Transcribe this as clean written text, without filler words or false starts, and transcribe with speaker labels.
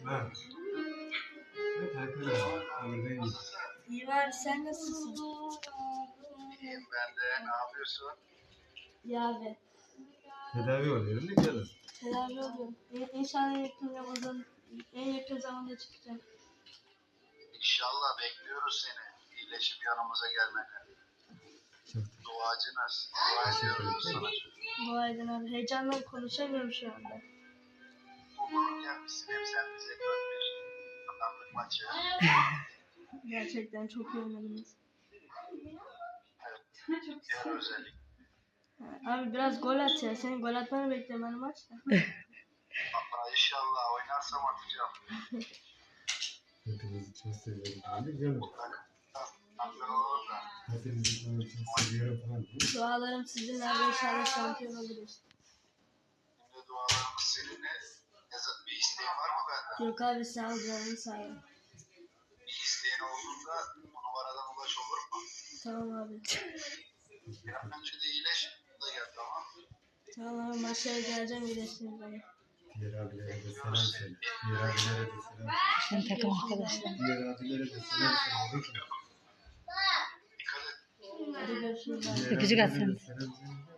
Speaker 1: Ha. Evet, herkese.
Speaker 2: İyi abi, sen nasılsın?
Speaker 3: İyiyim ben de. Ne yapıyorsun?
Speaker 2: İyi abi.
Speaker 1: Tedavi oluyorum da gelin.
Speaker 2: Tedavi oluyorum. İnşallah en yakın zamanda çıkacağım.
Speaker 3: İnşallah bekliyoruz seni. İyileşip yanımıza gelmeni. Duacınız. Dua ediyoruz sana.
Speaker 2: Dua edin abi. Heyecandan konuşamıyorum şu anda.
Speaker 3: Mutluluk gelmişsin. Hep sen bize 4-1 kazandık maçı.
Speaker 2: Gerçekten çok iyi oynadınız.
Speaker 3: Evet. Diğer özellik.
Speaker 2: Abi biraz gol at ya. Senin gol atmanı bekliyorum ben maçta.
Speaker 3: Valla inşallah oynarsam atacağım.
Speaker 1: Hepinizi çok seviyorum. Hadi gelin.
Speaker 3: Hakkın olur da.
Speaker 1: Hepinizi çok seviyorum falan.
Speaker 2: Dualarım sizinle abi, inşallah şampiyon oluruz.
Speaker 3: Şimdi dualarımız seninle. Bir isteğin var mı benden?
Speaker 2: Yok abi, sağ ol canım, sağ ol.
Speaker 3: Bir isteğin olduğunda bu numaradan ulaş olur mu?
Speaker 2: Tamam abi.
Speaker 3: Bir an önce de iyileş. Da gel tamam.
Speaker 2: Tamam abi, maçlara geleceğim, iyileştiniz bana.
Speaker 1: Diğer abilere de selam söyle. Diğer abilere de selam söyle.
Speaker 4: Sen takım arkadaşlar.
Speaker 1: Diğer abilere de selam söyle.
Speaker 3: Dikkat et.
Speaker 2: Hadi görüşürüz abi.
Speaker 4: Öpücük at sen.
Speaker 1: Selam söyle.